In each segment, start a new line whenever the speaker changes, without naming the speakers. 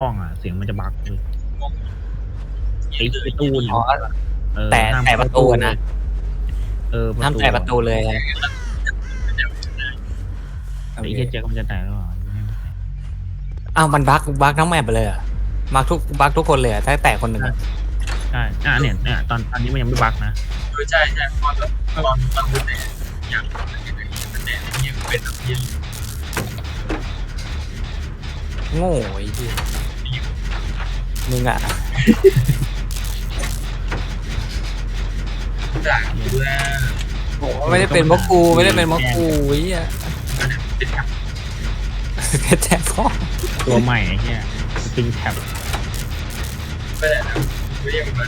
ห้องอ่ะเสียงมันจะบักเลยไอ้ตู้เนี่ย
แต่ประตูนะห้ามแต่ประตูเลย
ไอ้เหี้ยเจ๊ก็มันจะแตกหรือเปล่า
อ้าวมันบักทั้งแมปเลยอ่ะบักทุกคนเลยถ้าแตกคนหนึ่ง
ใช่เนี่ยตอนนี้มันยังไม่บักนะ
ใช่ตอนมันแต่อย่างแต่ยังเป็นแบบนี้
โง่ไอ้ที่มึงอ่ะ
ด่าด้วย
ไม่ได้เป็นเพราะกูไอ้เนี่ยแท็บพ่อ
ตัวใหม่ไอ้เหี้ยสปริงแท็บ
ไม่ได้นะไม่เรียกมัน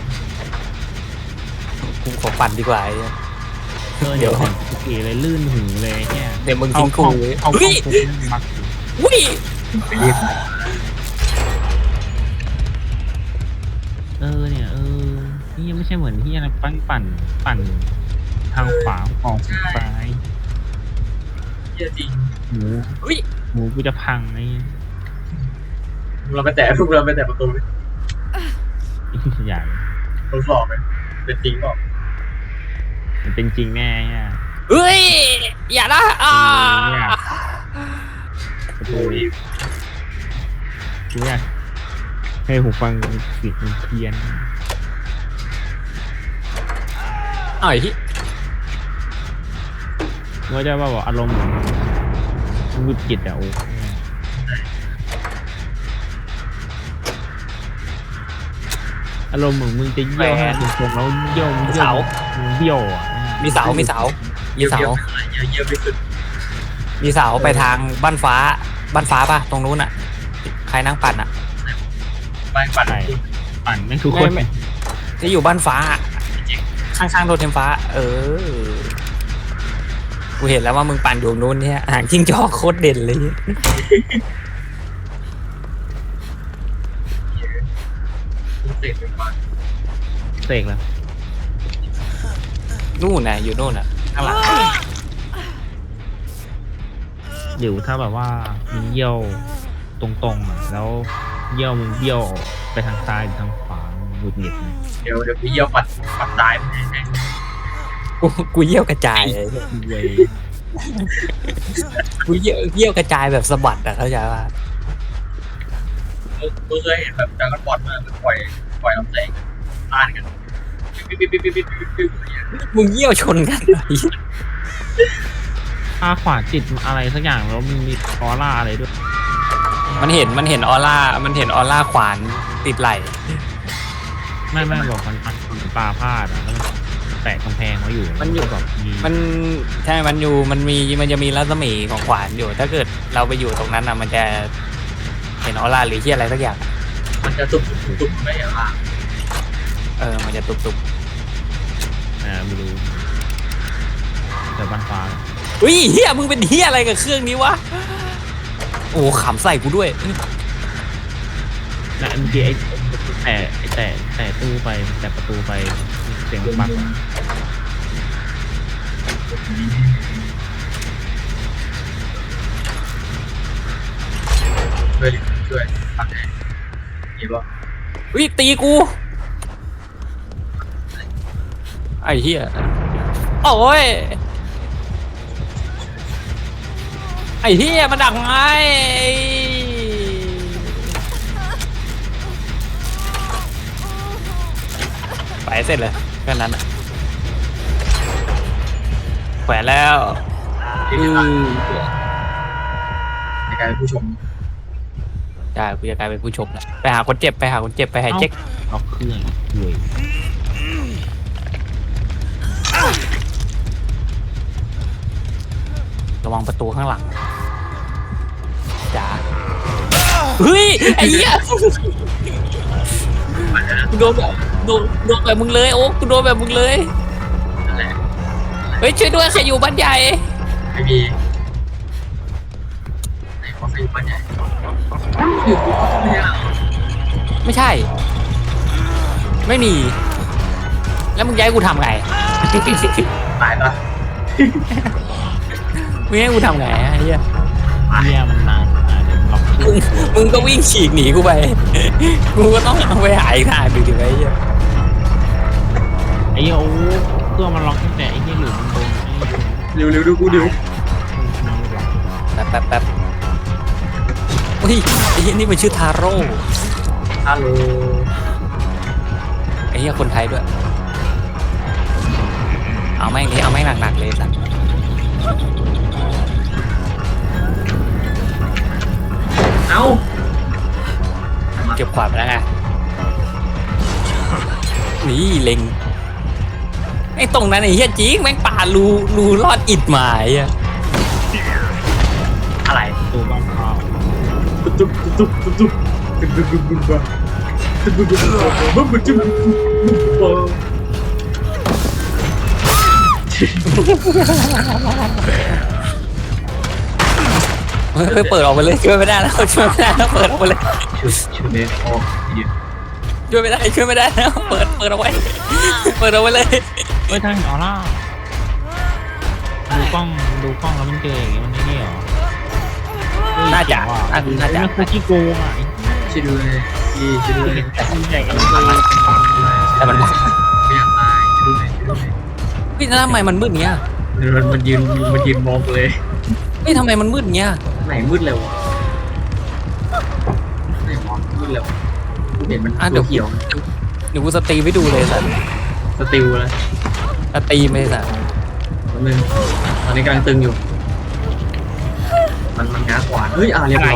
กูขอปั่นดีกว่า
เดี๋ยวขี่เลยลื่นหูเลยเนี่ย
เดี๋ยวมึงทิ้งกู
เอาบัก
อุ้ย
เนี่ยนี่ยังไม่ใช่เหมือนที่อะไรปั่นทางขวาออกซ้าย
เยอะจริง
หมูกูจะพังไอ้
เราไปแต่ประตูเลย
ใหญ่
ทดสอบไหมเป็นจริงเปล่า
มันเป็นจริงแน่เนี่ย
เฮ้ยอย่าละ
ประตูกูอยากให้หูฟังเสียงมันเพี้ยน
ที่
ว่าจะบอกอารมณ์หงุดหงิดอ่ะโอ้อารมณ์เหมือนมึงจะเยี่ยวให้ตรงแล้วเยี่ยวเบี้ยวอ่ะ
มีเสา
เยี่ยมที่สุด
มีเสาไปทางบ้านฟ้าป่ะตรงนู้นอ่ะใครนั่งปั่นอ่ะ
ปั่
นไม่ทุกคน
ที่อยู่บ้านฟ้าข้างๆโรถไฟฟ้ากูเห็นแล้วว่ามึงปั่นอยู่นู้นเนี่ยหางจิ้งจอกโคตรเด่นเลย
เสกแล้ว
นู่นน่ะอยู่นู่นน่ะข้างหลัง
เดี๋ยวถ้าแบบว่ามึงเยี่ยวตรงๆอ่ะแล้วเยี่ยวมึงเบี้ยวไปทางซ้ายหรือทางขวาหงุดหงิด
เดี๋ยวพี่เยี่ยวปัดตายไป
กูเยี่ยวกระจายเลยกูเยี่ยวกระจายแบบสะบัดอะเข้าใจป่ะ
กูเคยเห็นแบบการบอลมาปล่อยน้ำแสงต้านกัน
มึงเยี่ยวชนกัน
ถ้าขวาจิตอะไรสักอย่างแล้วมันมีออร่าอะไรด้วย
มันเห็นออร่าขวานติดไหล
ไม่บอกมันปลาพลาดแล้วมันแตะกำแพงไว้อยู่
มันอยู่
แบบ
มันใช่มันจะมีรัศมีของขวานอยู่ถ้าเกิดเราไปอยู่ตรงนั้นอ่ะมันจะเห็นออร่าหรือที่อะไรสักอย่าง
มันจะตุบไม่อย่างไร
มันจะตุบ
ไม่รู้แต่บ้านฟ้า
อุ้ยเฮียมึงเป็นเฮียอะไรกับเครื่องนี้วะโอ้ขำใส่กูด้วย
และเมื่อกี้แต่ตู้ไปแต่ประตูไปเสียงบัก
ช่วยปัดให้เห็นป่ะ
วิตีกูไอ้เหี้ยโอ้ยไอ้เหี้ยมันดักไงไปเสร็จเลยแค่นั้นอ่ะแขวนแล้ว
ในการผู้ชม
ได้กูจะกลายเป็นผู้ชมแล้วไปหาคนเจ็บไปหาเจ๊ก
เอาเครื่องด้วย
ระวังประตูข้างหลังจ้าเฮ้ยไอ้เหี้ยโดนแบบมึงเลยโอ๊กกูโดนแบบมึงเลยเฮ้ยช่วยด้วยใครอยู่บ้านใหญ่
ไม่มีไหนขอใครอยู่บ้านใหญ่
ไม่ใช่ไม่มีแล้วมึงย้ายกูทำไง
ตายปะ
มึงให้กูทำไงไอ้เหี้ย
มันนานเดี๋ยวล็อกเค
มึงก็วิ่งฉีกหนีกูไป กูก็ต้องเอาไปหาอีกทางหนึ่งดิไว้เหี้ย
ไอ้เหี้ยโอ้เครื่องมันล็อกตั้งแต่ไอ้เหี้ยหลุมมันโดนไอ้
เร็วดูกูเดี๋ยว
แป๊บเฮ้ยไอ้เหี้ยนี่มันชื่อทาโร่
ฮัลโหล
ไอ้เหี้ยคนไทยด้วย เอาแม่งดิเอาแม่งหนักๆเลยสัตว์
เอ้า
เก็บขวานไปแล้วไงนี่เล็งไอ้ตรงนั้นไอ้เหี้ยจริงแม่งป่ารูรอดอิดหมายอะ
อะไร
ตัวบ้านเขา
ตุ๊บตุ๊บตุ๊บตุ๊บตุ๊บตุ๊บตุ๊บตุ๊บตุ๊บตุ๊บตุ๊บตุ๊บตุ๊บตุ๊บ
เฮ้ยเปิดออกไปเลยช่วยไม่ได้แล้วช่วยไม่ได้แล้วเปิดออกไปเลย
ชุดเมคออกทีเดียว
ช่วยไม่ได้แล้วเปิดเอาไว้เปิดเอาไว้เลย
เฮ้ยทางเห็นออร่าดูกล้องแล้วมันเจออย่างเงี้ยมันไม่นี่หรอ
น่าจะ
มันคือขี้โกงอ่ะ
ช่วยด้วยพี่ช่วยด้วย
ใหญ่กัน
แต่มัน
ไม่อยากตายช่วยด้วย
พี่ทำไมมันมืดเงี้ย
มันยืนมองเลย
พี่ทำไมมันมืดเงี้ย
ไหนมืดเร็วไหนมองมืดเร็วเห็นมันตัวเขียว
เดี๋ยวกูสตรีมให้ดูเลยสัตว์
สติลแล้ว
สตรีมเลยสัตว์
นึงตอนนี้กำลังตึงอยู่ มันง้าขวานเฮ้ยเรียบร้อย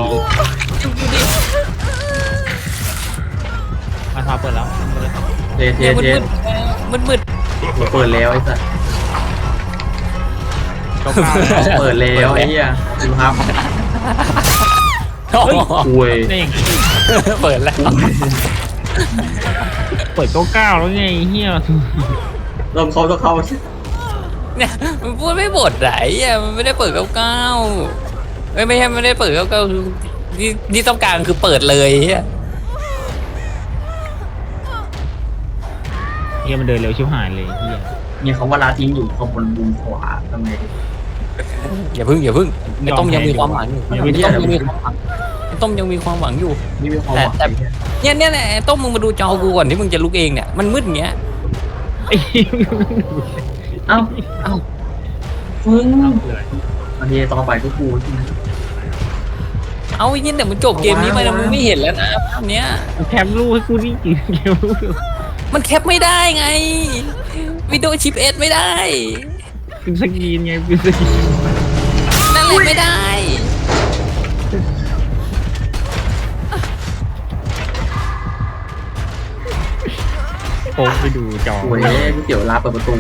มาทาเปิดแล้ว
เท
เนี่ยมืด
เปิดแล้วไอ้สัส
ก็กล้า
เปิดแล้วไอ้เหี้ยดูครับ
เฮ้ย
คุย
ได้อย่าง
เปิดแล้ว
เปิดเก้าแล้วไงเฮีย
ลมเขาต้องเข้า
เนี่ยมันพูดไม่บทไหนอ่ะมันไม่ได้เปิดเก้าไม่ใช่ไม่ได้เปิดเก้าคือที่ต้องการคือเปิดเลยอ่ะ
เฮียมันเดินเร็วชิบหายเลยเฮีย
เนี่ยเขาว่าลาทิ้งอยู่ขบวนบุญขวาทำไง
อย่าพึ่งไอ้ต้มยังมีความหวังอยู่ไอ้ต้มยังมีความหวังไอ้ต้มยังมีความหวังอยู่
นี่เป็นความหวัง
เนี่ยไอ้ต้มมึงมาดูจอกูก่อนที่มึงจะลุกเองเนี่ยมันมืดอย่างเงี้ย
ไอ้เหี้ย
เอ้ามึงบางทีตอนบ่ายก็กู
เอาไอ้เนี่ยเดี๋ยวมันจบเกมนี้ไปแล้วมึงไม่เห็นแล้วนะภาพเนี้ย
แคปรูปให้กูนี่กี่แคปรูป
มันแคปไม่ได้ไงวิดีโอชิปเอสไม่ได้
เป็นสกรีนไงเป็นสกรีน
นั่นแหละไม่ได้
โค้งไปดูจอ
โอ้ยก๋วยเตี๋ยวลาเปิดประตู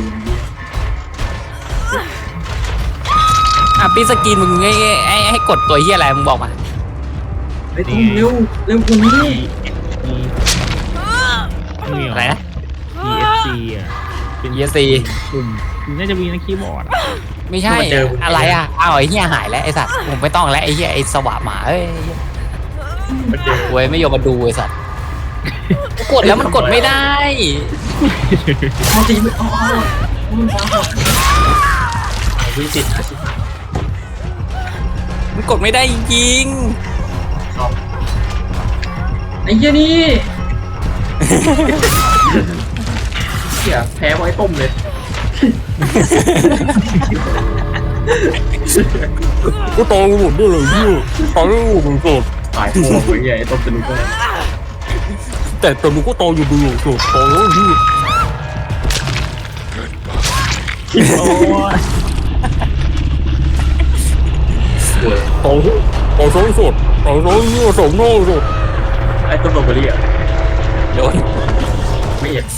อ่ะปีสกรีนมึงให้กดตัวเฮียอะไรมึงบอกมา
ไอ้ตุ้มเร็วกูนี่
นี่
อะไรนะ
ESC อ่ะเป็น
ESC
ปุ่มน่าจะมีนะคีย์บอร์ด
ไม่ใช่อะไรอ่ะอ้าวไอ้เฮียหายแล้วไอ้สัตว์ผมไม่ต้องแล้วไอ้เฮียไอ้สวะหมาเอ้ยเว้ยไม่ยอมมาดูไอ้สัตว์กดแล้วมันกดไม่ได้
มันตีไม่มันฟ้าวิจิตร
มันกดไม่ได้จริง
ไอ้เหี้ยนี่เหี้ยแพ้ไว้ต้มเลย
ก็ตองหมดด้วยเลยพี่ตองหมดสด
ตายโง่ไอ้เหี้ยไอ้ต้มจะรู้ได้
แต่ตัวมึงก็ตองอยู่ดีสดตองแล้วพี่
โอ้ย
ป่วย
ตองสดสดตองนี่สดโง่สด
ไอ้ต้มโรเบอรี่อ่ะ
โดน
ไม่เห็น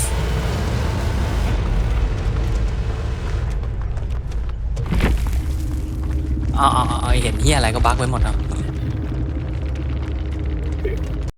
อ๋อเห็นเฮียอะไรก็บั๊กไว้หมดอ่ะ